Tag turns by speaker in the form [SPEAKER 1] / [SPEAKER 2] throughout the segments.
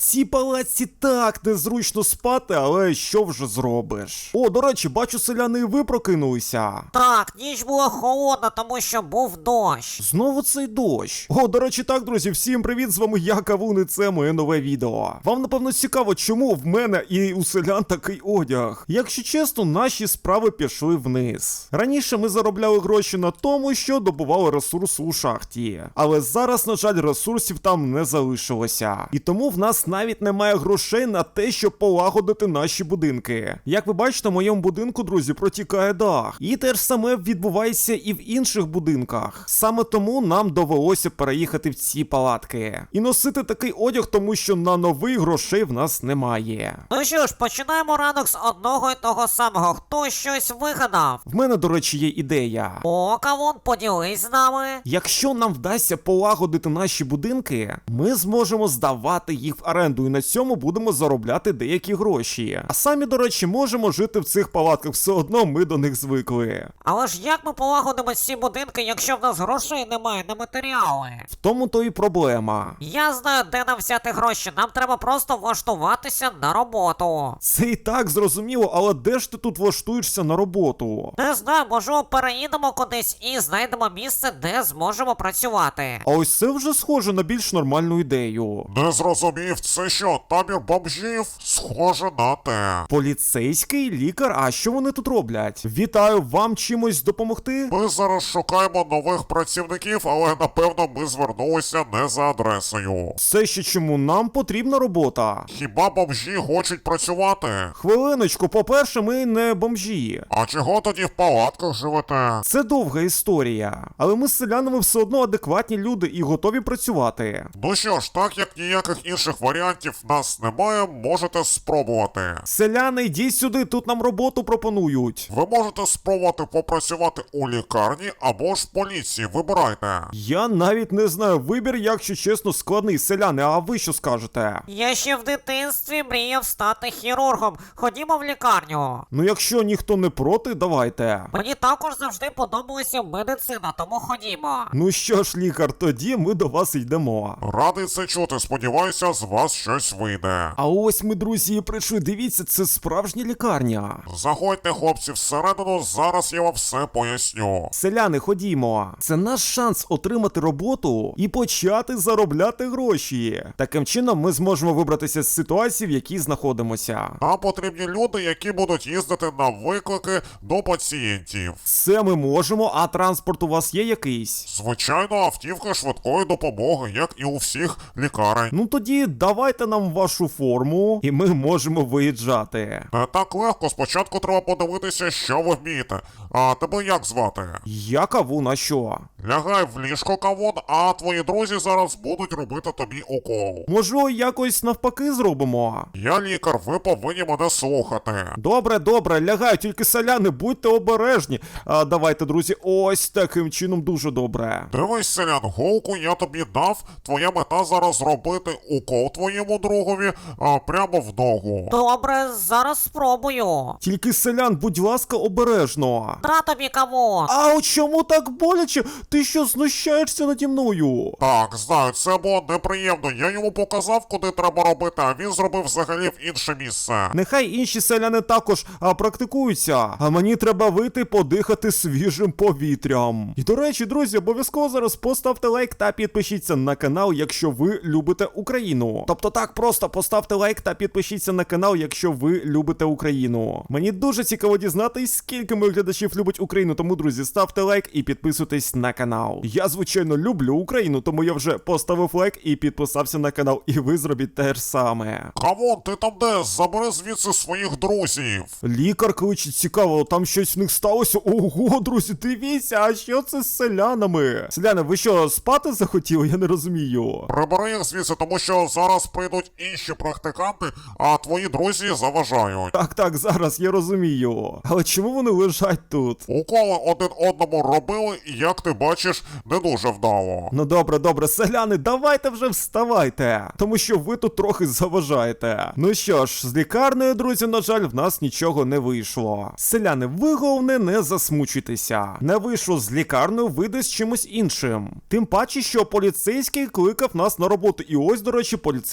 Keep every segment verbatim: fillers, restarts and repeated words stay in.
[SPEAKER 1] цій палаці так незручно спати, але що вже зробиш? О, до речі, бачу, селяни, і ви прокинулися.
[SPEAKER 2] Так, ніч була холодна, тому що був дощ.
[SPEAKER 1] Знову цей дощ. О, до речі, так, друзі, всім привіт, з вами я, Кавун, і це моє нове відео. Вам, напевно, цікаво, чому в мене і у селян такий одяг. Якщо чесно, наші справи пішли вниз. Раніше ми заробляли гроші на тому, що добували ресурси у шахті. Але зараз, на жаль, ресурсів там не залишилося. І тому в нас навіть немає грошей на те, щоб полагодити наші будинки. Як ви бачите, в моєму будинку, друзі, протікає дах. І те ж саме відбувається і в інших будинках. Саме тому нам довелося переїхати в ці палатки. І носити такий одяг, тому що на новий грошей в нас немає.
[SPEAKER 2] Ну що ж, починаємо ранок з одного і того самого. Хто щось вигадав?
[SPEAKER 1] В мене, до речі, є ідея.
[SPEAKER 2] О, Кавун, поділись з нами.
[SPEAKER 1] Якщо нам вдасться полагодити наші будинки, ми зможемо здавати їх в оренду і на цьому будемо заробляти деякі гроші. А самі, до речі, можемо жити в цих палатках, все одно ми до них звикли.
[SPEAKER 2] Але ж як ми полагодимо ці будинки, якщо в нас грошей немає на матеріали?
[SPEAKER 1] В тому то і проблема.
[SPEAKER 2] Я знаю, де нам взяти гроші, нам треба просто влаштуватися на роботу.
[SPEAKER 1] Це і так зрозуміло, але де ж ти тут влаштуєшся на роботу?
[SPEAKER 2] Не знаю, можливо, переїдемо кудись і знайдемо місце, де зможемо працювати.
[SPEAKER 1] А ось це вже схоже на більш нормальну ідею.
[SPEAKER 3] Не зрозумів, це що, табір бомжів? Схоже на те.
[SPEAKER 1] Поліцейський, лікар, а що вони тут роблять? Вітаю, вам чимось допомогти?
[SPEAKER 3] Ми зараз шукаємо нових працівників, але напевно ми звернулися не за адресою.
[SPEAKER 1] Це ще чому? Нам потрібна робота.
[SPEAKER 3] Хіба бомжі хочуть працювати?
[SPEAKER 1] Хвилиночку, по-перше, ми не бомжі.
[SPEAKER 3] А чого тоді в палатках живете?
[SPEAKER 1] Це довга історія. Але ми з селянами все одно адекватні люди і готові працювати.
[SPEAKER 3] Ну що ж, так як ніяких інших варіантів в нас немає, можете спробувати.
[SPEAKER 1] Селяни, йдіть сюди, тут нам роботу пропонують.
[SPEAKER 3] Ви можете спробувати попрацювати у лікарні або ж в поліції, вибирайте.
[SPEAKER 1] Я навіть не знаю, вибір, якщо чесно, складний. Селяни, а ви що скажете?
[SPEAKER 2] Я ще в дитинстві мріяв стати хірургом. Ходімо в лікарню.
[SPEAKER 1] Ну якщо ніхто не проти, давайте.
[SPEAKER 2] Мені також завжди подобалася медицина, тому ходімо.
[SPEAKER 1] Ну що ж, лікар, тоді ми до вас йдемо.
[SPEAKER 3] Радий це чути, сподіваюся, з вас щось вийде.
[SPEAKER 1] А ось ми, друзі, і прийшли. Дивіться, це справжня лікарня.
[SPEAKER 3] Заходьте, хлопці, всередину, зараз я вам все поясню.
[SPEAKER 1] Селяни, ходімо. Це наш шанс отримати роботу і почати заробляти гроші. Таким чином ми зможемо вибратися з ситуації, в якій знаходимося.
[SPEAKER 3] Нам потрібні люди, які будуть їздити на виклики до пацієнтів.
[SPEAKER 1] Це ми можемо, а транспорт у вас є якийсь?
[SPEAKER 3] Звичайно, автівка швидкої допомоги, як і у всіх лікарень.
[SPEAKER 1] Ну тоді давайте нам вашу форму, і ми можемо виїжджати.
[SPEAKER 3] Не так легко, спочатку треба подивитися, що ви вмієте. А тебе як звати?
[SPEAKER 1] Я Кавун, а що?
[SPEAKER 3] Лягай в ліжко, Кавун, а твої друзі зараз будуть робити тобі укол.
[SPEAKER 1] Може, якось навпаки зробимо?
[SPEAKER 3] Я лікар, ви повинні мене слухати.
[SPEAKER 1] Добре, добре, лягаю, тільки селяни, будьте обережні. А давайте, друзі, ось таким чином дуже добре.
[SPEAKER 3] Дивись, селян, голку я тобі дав, твоя мета зараз зробити укол твоєму другові а, прямо в ногу.
[SPEAKER 2] Добре, зараз спробую.
[SPEAKER 1] Тільки селян, будь ласка, обережно.
[SPEAKER 2] На тобі, Кавун.
[SPEAKER 1] А от чому так боляче? Ти що, знущаєшся наді мною?
[SPEAKER 3] Так, знаю, це було неприємно. Я йому показав, куди треба робити, а він зробив взагалі в інше місце.
[SPEAKER 1] Нехай інші селяни також а, практикуються, а мені треба вийти подихати свіжим повітрям. І до речі, друзі, обов'язково зараз поставте лайк та підпишіться на канал, якщо ви любите Україну. Тобто так, просто поставте лайк та підпишіться на канал, якщо ви любите Україну. Мені дуже цікаво дізнатись, скільки моїх глядачів любить Україну, тому, друзі, ставте лайк і підписуйтесь на канал. Я, звичайно, люблю Україну, тому я вже поставив лайк і підписався на канал, і ви зробіть те ж саме.
[SPEAKER 3] Кавун, ти там де? Забери звідси своїх друзів.
[SPEAKER 1] Лікар кличе, цікаво, там щось в них сталося? Ого, друзі, дивіться, а що це з селянами? Селяни, ви що, спати захотіли? Я не розумію.
[SPEAKER 3] Прибери їх звідси, тому що зараз прийдуть інші практиканти, а твої друзі заважають.
[SPEAKER 1] Так, так, зараз я розумію. Але чому вони лежать тут?
[SPEAKER 3] Уколи один одному робили, і, як ти бачиш, не дуже вдало.
[SPEAKER 1] Ну добре, добре, селяни, давайте вже вставайте, тому що ви тут трохи заважаєте. Ну що ж, з лікарнею, друзі, на жаль, в нас нічого не вийшло. Селяни, ви головне не засмучуйтеся. Не вийшло з лікарнею, вийде з чимось іншим. Тим паче, що поліцейський кликав нас на роботу. І ось, до речі, поліцейський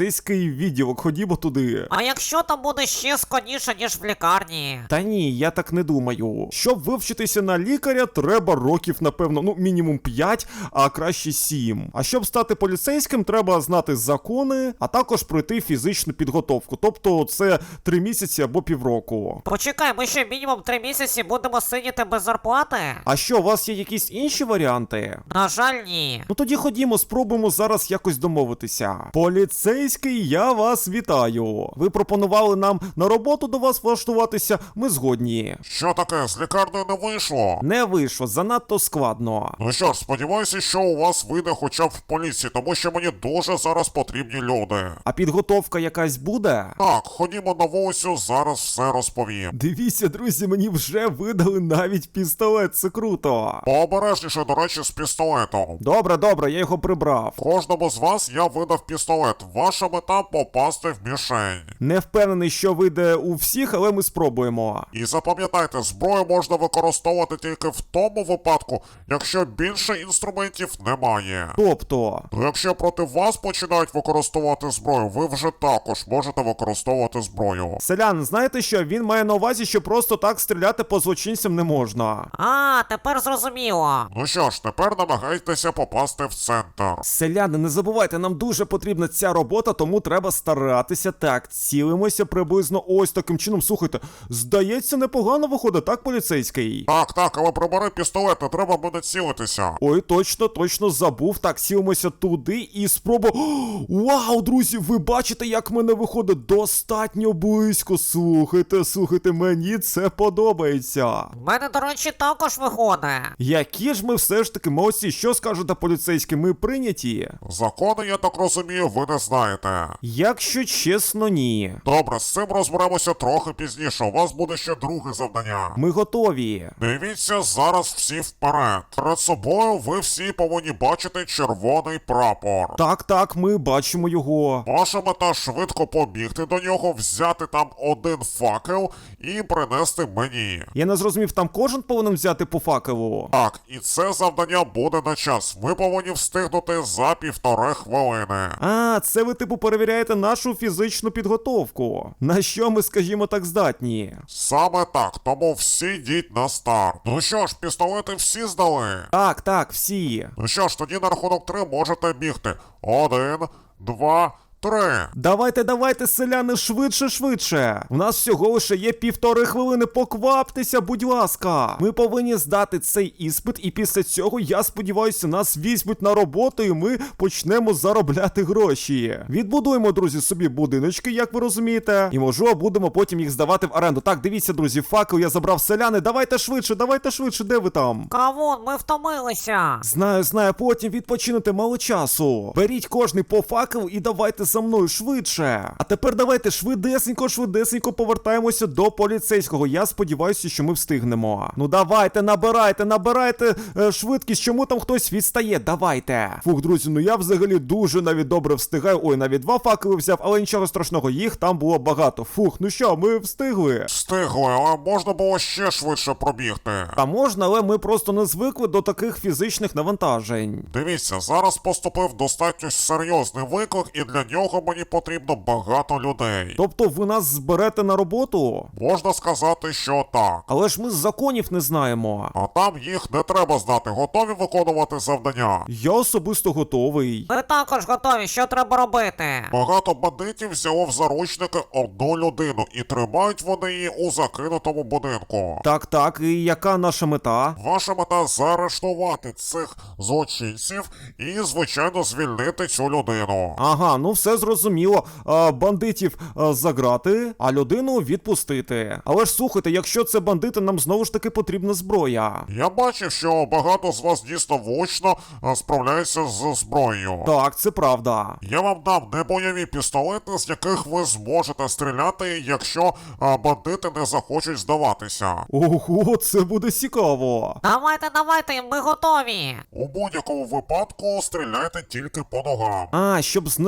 [SPEAKER 1] поліцейський відділок, ходімо туди.
[SPEAKER 2] А якщо там буде ще складніше, ніж в лікарні?
[SPEAKER 1] Та ні, я так не думаю. Щоб вивчитися на лікаря, треба років, напевно, ну мінімум п'ять, а краще сім. А щоб стати поліцейським, треба знати закони, а також пройти фізичну підготовку. Тобто це три місяці або півроку.
[SPEAKER 2] Почекай, ми ще мінімум три місяці будемо сидіти без зарплати?
[SPEAKER 1] А що, у вас є якісь інші варіанти?
[SPEAKER 2] На жаль, ні.
[SPEAKER 1] Ну тоді ходімо, спробуємо зараз якось домовитися. Поліцейський, я вас вітаю. Ви пропонували нам на роботу до вас влаштуватися, ми згодні.
[SPEAKER 3] Що таке, з лікарнею не вийшло?
[SPEAKER 1] Не вийшло, занадто складно.
[SPEAKER 3] Ну що ж, сподіваюся, що у вас вийде хоча б в поліції, тому що мені дуже зараз потрібні люди.
[SPEAKER 1] А підготовка якась буде?
[SPEAKER 3] Так, ходімо на вулицю, зараз все розповім.
[SPEAKER 1] Дивіться, друзі, мені вже видали навіть пістолет, це круто.
[SPEAKER 3] Пообережніше, до речі, з пістолетом.
[SPEAKER 1] Добре, добре, я його прибрав.
[SPEAKER 3] Кожному з вас я видав пістолет. Ваша мета попасти в мішень.
[SPEAKER 1] Не впевнений, що вийде у всіх, але ми спробуємо.
[SPEAKER 3] І запам'ятайте, зброю можна використовувати тільки в тому випадку, якщо більше інструментів немає.
[SPEAKER 1] Тобто,
[SPEAKER 3] То якщо проти вас починають використовувати зброю, ви вже також можете використовувати зброю.
[SPEAKER 1] селян, знаєте що? Він має на увазі, що просто так стріляти по злочинцям не можна.
[SPEAKER 2] А, тепер зрозуміло.
[SPEAKER 3] Ну що ж, тепер намагайтеся попасти в центр.
[SPEAKER 1] Селяни, не забувайте, нам дуже потрібна ця робота, тому треба старатися. Так, цілимося приблизно ось таким чином. Слухайте, здається, непогано виходить, так, поліцейський?
[SPEAKER 3] Так, так, але прибери пістолет, не треба буде цілитися.
[SPEAKER 1] Ой, точно, точно забув. Так, сілимося туди і спробу. Вау, друзі, ви бачите, як в мене виходить достатньо близько. Слухайте, слухайте, мені це подобається.
[SPEAKER 2] В мене, до речі, також виходить.
[SPEAKER 1] Які ж ми все ж таки молодці, що скажете поліцейські, ми прийняті?
[SPEAKER 3] Закони, я так розумію, ви не знаєте.
[SPEAKER 1] Якщо чесно, ні.
[SPEAKER 3] Добре, з цим розберемося трохи пізніше. У вас буде ще друге завдання.
[SPEAKER 1] Ми готові.
[SPEAKER 3] Дивіться зараз всі вперед. Перед собою ви всі повинні бачити червоний прапор.
[SPEAKER 1] Так, так, ми бачимо його.
[SPEAKER 3] Ваша мета швидко побігти до нього, взяти там один факел і принести мені.
[SPEAKER 1] Я не зрозумів, там кожен повинен взяти по факелу.
[SPEAKER 3] Так, і це завдання буде на час. Ви повинні встигнути за півтори хвилини.
[SPEAKER 1] А, це ви типу перевіряєте нашу фізичну підготовку. На що ми, скажімо так, здатні?
[SPEAKER 3] Саме так, тому всі йдіть на старт. Ну що ж, пістолети всі здали?
[SPEAKER 1] Так, так, всі.
[SPEAKER 3] Ну що ж, тоді на рахунок три можете бігти. Один, два, три.
[SPEAKER 1] Давайте, давайте, селяни, швидше, швидше. У нас всього лише є півтори хвилини, покваптеся, будь ласка. Ми повинні здати цей іспит, і після цього, я сподіваюся, нас візьмуть на роботу, і ми почнемо заробляти гроші. Відбудуємо, друзі, собі будиночки, як ви розумієте, і, можливо, будемо потім їх здавати в оренду. Так, дивіться, друзі, факел я забрав, селяни, давайте швидше, давайте швидше, де ви там?
[SPEAKER 2] Кавун, ми втомилися.
[SPEAKER 1] Знаю, знаю, потім відпочинете мало часу. Беріть кожний по факел і давайте за мною швидше. А тепер давайте швидесенько, швидесенько повертаємося до поліцейського. Я сподіваюся, що ми встигнемо. Ну давайте, набирайте, набирайте е, швидкість, чому там хтось відстає. Давайте. Фух, друзі, ну я взагалі дуже навіть добре встигаю. Ой, навіть два факели взяв, але нічого страшного, їх там було багато. Фух, ну що, ми встигли.
[SPEAKER 3] Встигли, але можна було ще швидше пробігти.
[SPEAKER 1] Та можна, але ми просто не звикли до таких фізичних навантажень.
[SPEAKER 3] Дивіться, зараз поступив достатньо серйозний виклик, і для нього мені потрібно багато людей.
[SPEAKER 1] Тобто ви нас зберете на роботу?
[SPEAKER 3] Можна сказати, що так.
[SPEAKER 1] Але ж ми з законів не знаємо.
[SPEAKER 3] А там їх не треба знати. Готові виконувати завдання?
[SPEAKER 1] Я особисто готовий.
[SPEAKER 2] Ми також готові, що треба робити?
[SPEAKER 3] Багато бандитів взяло в заручники одну людину, і тримають вони її у закинутому будинку.
[SPEAKER 1] Так, так, і яка наша мета?
[SPEAKER 3] Ваша мета заарештувати цих злочинців і, звичайно, звільнити цю людину.
[SPEAKER 1] Ага, ну все зрозуміло. А, бандитів а, заграти, а людину відпустити. Але ж слухайте, якщо це бандити, нам знову ж таки потрібна зброя.
[SPEAKER 3] Я бачив, що багато з вас дійсно влучно а, справляються з зброєю.
[SPEAKER 1] Так, це правда.
[SPEAKER 3] Я вам дам небойові пістолети, з яких ви зможете стріляти, якщо а, бандити не захочуть здаватися.
[SPEAKER 1] Ого, це буде цікаво.
[SPEAKER 2] Давайте, давайте, ми готові.
[SPEAKER 3] У будь-якому випадку стріляйте тільки по ногам.
[SPEAKER 1] А, щоб знешкодити.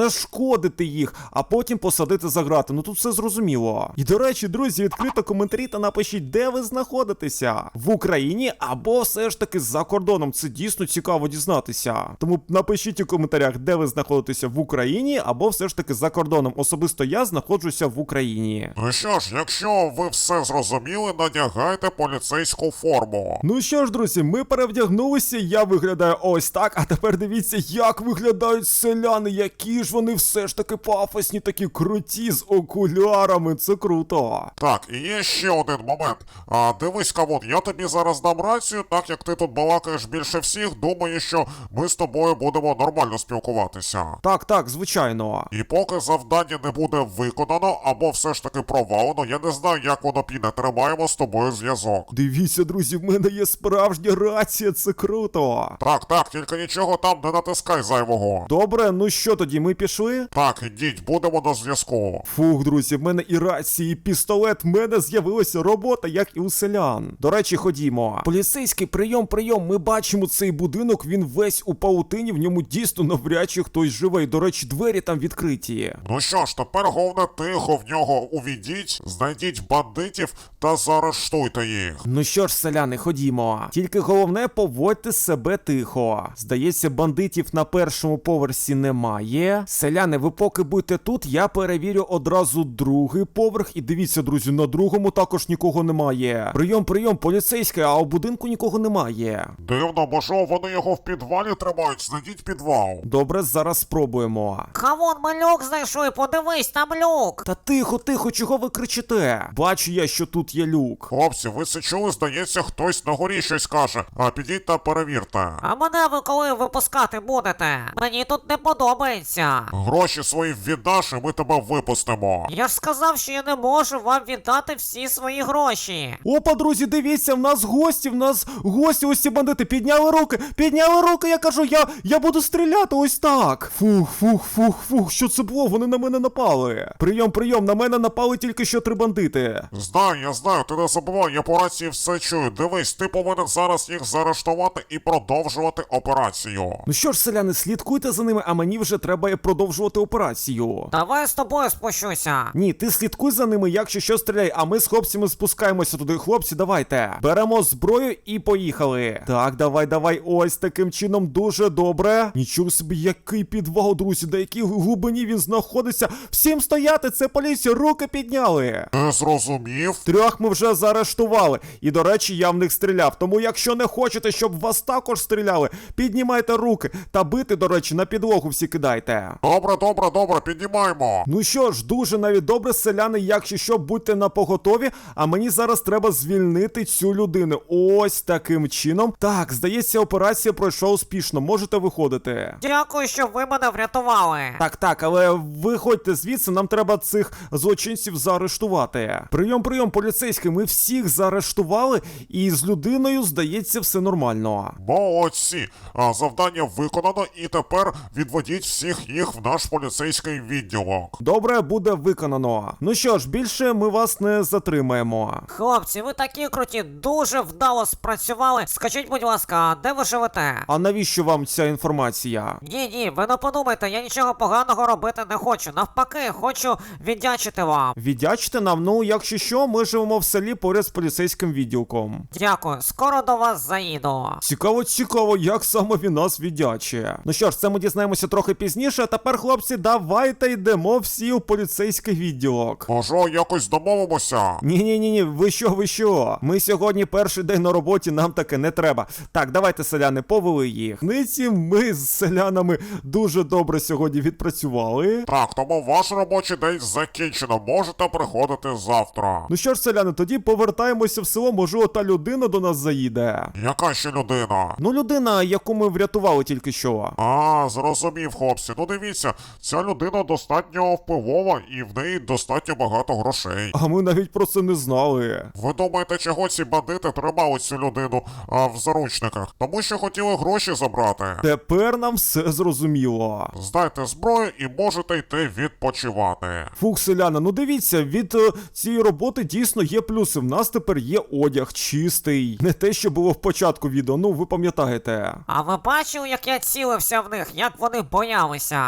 [SPEAKER 1] знешкодити їх, а потім посадити за грати. Ну тут все зрозуміло. І до речі, друзі, відкрито коментарі та напишіть, де ви знаходитеся. В Україні або все ж таки за кордоном. Це дійсно цікаво дізнатися. Тому напишіть у коментарях, де ви знаходитеся в Україні або все ж таки за кордоном. Особисто я знаходжуся в Україні.
[SPEAKER 3] Ну що ж, якщо ви все зрозуміли, надягайте поліцейську форму.
[SPEAKER 1] Ну що ж, друзі, ми перевдягнулися, я виглядаю ось так, а тепер дивіться, як виглядають селяни, які ж вони все ж таки пафосні, такі круті, з окулярами, це круто.
[SPEAKER 3] Так, і є ще один момент. А, дивись, Кавун, я тобі зараз дам рацію, так як ти тут балакаєш більше всіх, думаю, що ми з тобою будемо нормально спілкуватися.
[SPEAKER 1] Так, так, звичайно.
[SPEAKER 3] І поки завдання не буде виконано, або все ж таки провалено, я не знаю, як воно піде, тримаємо з тобою зв'язок.
[SPEAKER 1] Дивіться, друзі, в мене є справжня рація, це круто.
[SPEAKER 3] Так, так, тільки нічого там не натискай зайвого.
[SPEAKER 1] Добре, ну що тоді, ми пішли?
[SPEAKER 3] Так, ідіть, будемо на зв'язку.
[SPEAKER 1] Фух, друзі, в мене і рації, і пістолет, в мене з'явилася робота, як і у селян. До речі, ходімо. Поліцейський, прийом, прийом, ми бачимо цей будинок, він весь у паутині, в ньому дійсно навряд чи хтось живе. І, до речі, двері там відкриті.
[SPEAKER 3] Ну що ж, тепер головне тихо в нього увійдіть, знайдіть бандитів та заарештуйте їх.
[SPEAKER 1] Ну що ж, селяни, ходімо. Тільки головне, поводьте себе тихо. Здається, бандитів на першому поверсі немає. Селяни, ви поки будьте тут, я перевірю одразу другий поверх. І дивіться, друзі, на другому також нікого немає. Прийом, прийом, поліцейський, а у будинку нікого немає.
[SPEAKER 3] Дивно, можливо, вони його в підвалі тримають, знайдіть підвал.
[SPEAKER 1] Добре, зараз спробуємо.
[SPEAKER 2] Кавун, ми люк знайшли, подивись, там люк.
[SPEAKER 1] Та тихо, тихо, чого ви кричите? Бачу я, що тут є люк.
[SPEAKER 3] Хлопці, ви це чули? Здається, хтось на горі щось каже. А підіть та перевірте.
[SPEAKER 2] А мене ви коли випускати будете? Мені тут не подобається.
[SPEAKER 3] Гроші свої віддаш, і ми тебе випустимо.
[SPEAKER 2] Я ж сказав, що я не можу вам віддати всі свої гроші.
[SPEAKER 1] Опа, друзі, дивіться, в нас гості, в нас гості, ось ці бандити, підняли руки, підняли руки, я кажу, я, я буду стріляти ось так. Фух, фух, фух, фух, що це було? Вони на мене напали. Прийом, прийом, на мене напали тільки що три бандити.
[SPEAKER 3] Знаю, я знаю, ти не забувай, я по рації все чую. Дивись, ти повинен зараз їх заарештувати і продовжувати операцію.
[SPEAKER 1] Ну що ж, селяни, слідкуйте за ними, а мені вже треба продовжувати операцію.
[SPEAKER 2] Давай з тобою спущуся.
[SPEAKER 1] Ні, ти слідкуй за ними, якщо що стріляй, а ми з хлопцями спускаємося туди. Хлопці, давайте. Беремо зброю і поїхали. Так, давай, давай, ось таким чином, дуже добре. Нічого собі, який підвал, друзі, до якій глибині він знаходиться. Всім стояти, це поліція, руки підняли.
[SPEAKER 3] Не зрозумів?
[SPEAKER 1] Трьох ми вже заарештували. І, до речі, я в них стріляв. Тому, якщо не хочете, щоб вас також стріляли, піднімайте руки. Та бити, до речі, на підлогу всі кидайте.
[SPEAKER 3] Добре, добре, добре, піднімаємо.
[SPEAKER 1] Ну що ж, дуже навіть добре, селяни, якщо що, будьте напоготові, а мені зараз треба звільнити цю людину. Ось таким чином. Так, здається, операція пройшла успішно, можете виходити.
[SPEAKER 2] Дякую, що ви мене врятували.
[SPEAKER 1] Так, так, але виходьте звідси, нам треба цих злочинців заарештувати. Прийом, прийом, поліцейський, ми всіх заарештували, і з людиною, здається, все нормально.
[SPEAKER 3] Молодці. А завдання виконано, і тепер відведіть всіх їх в наш поліцейський відділок.
[SPEAKER 1] Добре, буде виконано. Ну що ж, більше ми вас не затримаємо.
[SPEAKER 2] Хлопці, ви такі круті, дуже вдало спрацювали. Скажіть, будь ласка, де ви живете?
[SPEAKER 1] А навіщо вам ця інформація?
[SPEAKER 2] Ні, ні, ви не подумайте, я нічого поганого робити не хочу. Навпаки, хочу віддячити вам.
[SPEAKER 1] Віддячте нам, ну, якщо що, ми живемо в селі поряд з поліцейським відділком.
[SPEAKER 2] Дякую, скоро до вас заїду.
[SPEAKER 1] Цікаво, цікаво, як саме він нас віддячує. Ну що ж, це ми дізнаємося трохи пізніше, а тепер, хлопці, давайте йдемо всі у поліцейський відділок.
[SPEAKER 3] Може, якось домовимося?
[SPEAKER 1] Ні-ні-ні, ви що, ви що? Ми сьогодні перший день на роботі, нам таке не треба. Так, давайте, селяни, повели їх. Ниці ми з селянами дуже добре сьогодні відпрацювали.
[SPEAKER 3] Так, тому ваш робочий день закінчено, можете приходити завтра.
[SPEAKER 1] Ну що ж, селяни, тоді повертаємося в село, може та людина до нас заїде.
[SPEAKER 3] Яка ще людина?
[SPEAKER 1] Ну, людина, яку ми врятували тільки що.
[SPEAKER 3] А, зрозумів, хлопці. Ну дивіться, ця людина достатньо впливова і в неї достатньо багато грошей.
[SPEAKER 1] А ми навіть про це не знали.
[SPEAKER 3] Ви думаєте, чого ці бандити тримали цю людину а, в заручниках? Тому що хотіли гроші забрати.
[SPEAKER 1] Тепер нам все зрозуміло.
[SPEAKER 3] Здайте зброю і можете йти відпочивати.
[SPEAKER 1] Фух, селяна, ну дивіться, від е, цієї роботи дійсно є плюси. В нас тепер є одяг чистий. Не те, що було в початку відео, ну ви пам'ятаєте.
[SPEAKER 2] А ви бачили, як я цілився в них, як вони боялися?
[SPEAKER 1] Ну, звичайно.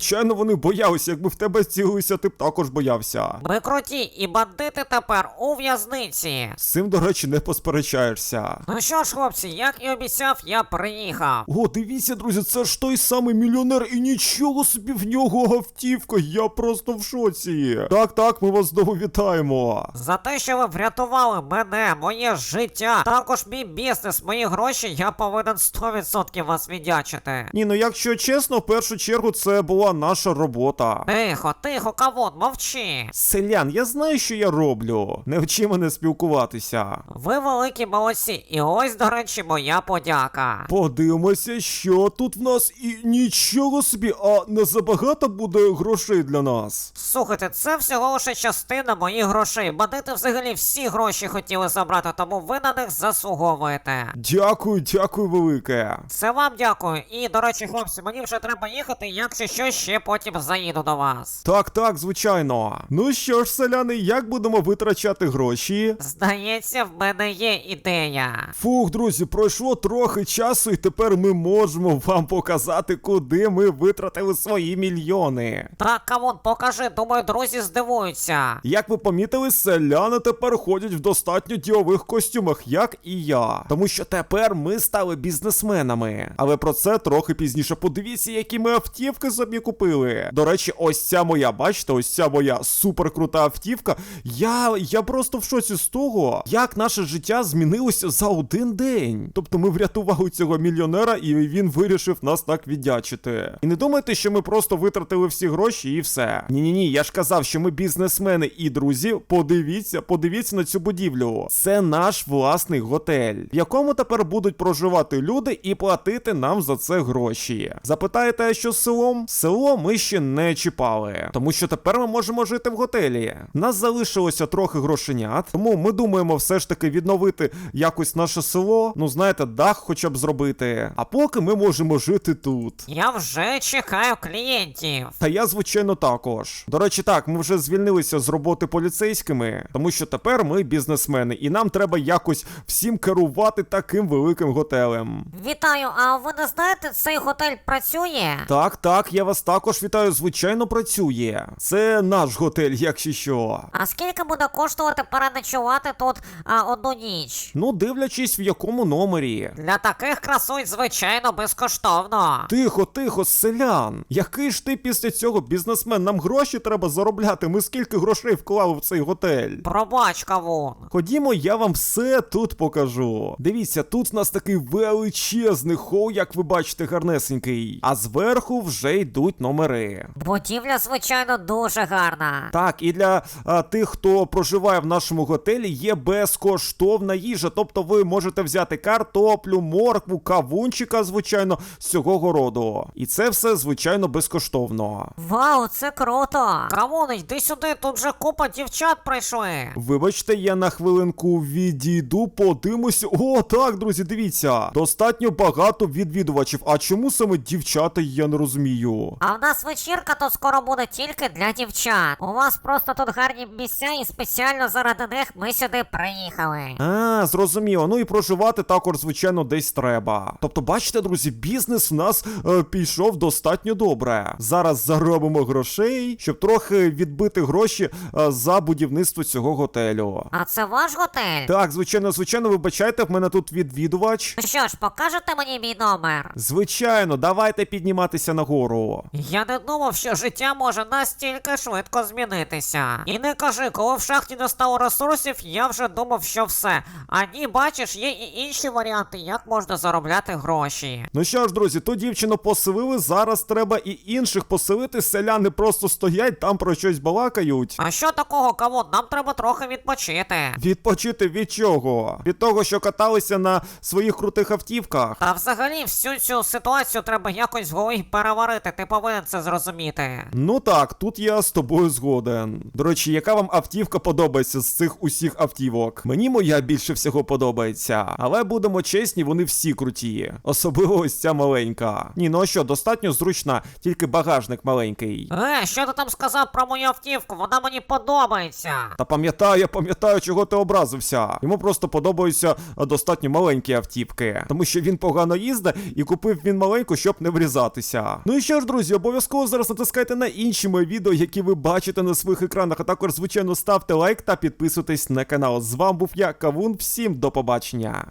[SPEAKER 1] звичайно, вони боялися. Якби в тебе цілилися, ти б також боявся.
[SPEAKER 2] Ми круті, і бандити тепер у в'язниці.
[SPEAKER 1] З цим, до речі, не посперечаєшся.
[SPEAKER 2] Ну що ж, хлопці, як і обіцяв, я приїхав.
[SPEAKER 1] О, дивіться, друзі, це ж той самий мільйонер, і нічого собі в нього автівка, я просто в шоці. Так, так, ми вас знову вітаємо.
[SPEAKER 2] За те, що ви врятували мене, моє життя, також мій бізнес, мої гроші, я повинен сто відсотків вас віддячити.
[SPEAKER 1] Ні, ну якщо чесно, в першу чергу це була наша робота.
[SPEAKER 2] Тихо, тихо, кавун, мовчи.
[SPEAKER 1] Селян, я знаю, що я роблю. Не вчи мене спілкуватися.
[SPEAKER 2] Ви великі молодці, і ось, до речі, моя подяка.
[SPEAKER 1] Подивимося, що тут в нас, і нічого собі, а не забагато буде грошей для нас.
[SPEAKER 2] Слухайте, це всього лише частина моїх грошей. Бандити взагалі всі гроші хотіли забрати, тому ви на них заслуговуєте.
[SPEAKER 1] Дякую, дякую велике.
[SPEAKER 2] Це вам дякую. І, до речі, хлопці, мені вже треба їхати, якщо що, ще потім заїду до вас.
[SPEAKER 1] Так, так, звичайно. Ну що ж, селяни, як будемо витрачати гроші?
[SPEAKER 2] Здається, в мене є ідея.
[SPEAKER 1] Фух, друзі, пройшло трохи часу, і тепер ми можемо вам показати, куди ми витратили свої мільйони.
[SPEAKER 2] Так, камон, покажи, думаю, друзі здивуються.
[SPEAKER 1] Як ви помітили, селяни тепер ходять в достатньо ділових костюмах, як і я. Тому що тепер ми стали бізнесменами. Але про це трохи пізніше. Подивіться, які ми автівки собі купили. До речі, ось ця моя, бачите, ось ця моя суперкрута автівка. Я, я просто в шоці з того, як наше життя змінилося за один день. Тобто ми врятували цього мільйонера, і він вирішив нас так віддячити. І не думайте, що ми просто витратили всі гроші і все. Ні-ні-ні, я ж казав, що ми бізнесмени і друзі, подивіться, подивіться на цю будівлю. Це наш власний готель, в якому тепер будуть проживати люди і платити нам за це гроші. Запитаєте, а що з селом? Село ми ще не чіпали, тому що тепер ми можемо жити в готелі. Нас залишилося трохи грошенят, тому ми думаємо все ж таки відновити якось наше село, ну знаєте, дах хоча б зробити. А поки ми можемо жити тут.
[SPEAKER 2] Я вже чекаю клієнтів.
[SPEAKER 1] Та я, звичайно, також. До речі, так, ми вже звільнилися з роботи поліцейськими, тому що тепер ми бізнесмени, і нам треба якось всім керувати таким великим готелем.
[SPEAKER 2] Вітаю, а ви не знаєте, цей готель працює?
[SPEAKER 1] Так, так, я вас також вітаю, звичайно, працює. Це наш готель, якщо що.
[SPEAKER 2] А скільки буде коштувати переночувати тут а, одну ніч?
[SPEAKER 1] Ну, дивлячись, в якому номері.
[SPEAKER 2] Для таких красунь, звичайно, безкоштовно.
[SPEAKER 1] Тихо, тихо, селян. Який ж ти після цього бізнесмен? Нам гроші треба заробляти. Ми скільки грошей вклали в цей готель?
[SPEAKER 2] Пробач, кавун.
[SPEAKER 1] Ходімо, я вам все тут покажу. Дивіться, тут в нас такий величезний хол, як ви бачите, гарнесенький. А зверху вже йдуть номери.
[SPEAKER 2] Будівля, звичайно, дуже гарна.
[SPEAKER 1] Так, і для а, тих, хто проживає в нашому готелі, є безкоштовна їжа. Тобто ви можете взяти картоплю, моркву, кавунчика, звичайно, з цього городу. І це все, звичайно, безкоштовно.
[SPEAKER 2] Вау, це круто. Кавун, йди сюди, тут вже купа дівчат прийшли.
[SPEAKER 1] Вибачте, я на хвилинку відійду, подивимося. О, так, друзі, дивіться. Достатньо багато відвідувачів. А чому саме дівчата, я не розумію.
[SPEAKER 2] А в нас вечірка тут скоро буде тільки для дівчат. У вас просто тут гарні місця, і спеціально заради них ми сюди приїхали.
[SPEAKER 1] А, зрозуміло. Ну і проживати також, звичайно, десь треба. Тобто, бачите, друзі, бізнес в нас е, пішов достатньо добре. Зараз заробимо грошей, щоб трохи відбити гроші е, за будівництво цього готелю.
[SPEAKER 2] А це ваш готель?
[SPEAKER 1] Так, звичайно, звичайно, вибачайте, в мене тут відвідувач.
[SPEAKER 2] Ну що ж, покажете мені мій номер?
[SPEAKER 1] Звичайно, давайте підніматися нагору.
[SPEAKER 2] Я не думав, що життя може настільки швидко змінитися. І не кажи, коли в шахті не стало ресурсів, я вже думав, що все. А ні, бачиш, є і інші варіанти, як можна заробляти гроші.
[SPEAKER 1] Ну що ж, друзі, ту дівчину поселили, зараз треба і інших поселити. Селяни просто стоять, там про щось балакають.
[SPEAKER 2] А що такого, кавун? Нам треба трохи відпочити.
[SPEAKER 1] Відпочити від чого? Від того, що каталися на своїх крутих автівках?
[SPEAKER 2] Та взагалі всю цю ситуацію треба якось в голові переварити, ти повинен це зрозуміти.
[SPEAKER 1] Ну так, тут я з тобою згоден. До речі, яка вам автівка подобається з цих усіх автівок? Мені моя більше всього подобається. Але будемо чесні, вони всі круті. Особливо ось ця маленька. Ні, ну а що, достатньо зручна, тільки багажник маленький.
[SPEAKER 2] Е, що ти там сказав про мою автівку? Вона мені подобається.
[SPEAKER 1] Та пам'ятаю, я пам'ятаю, чого ти образився. Йому просто подобаються а, достатньо маленькі автівки. Тому що він погано їздить і купив він маленьку, щоб не врізатися. Ну і що ж, друзі, обов'язково зараз натискайте на інші мої відео, які ви бачите на своїх екранах, а також, звичайно, ставте лайк та підписуйтесь на канал. З вами був я, Кавун, всім до побачення.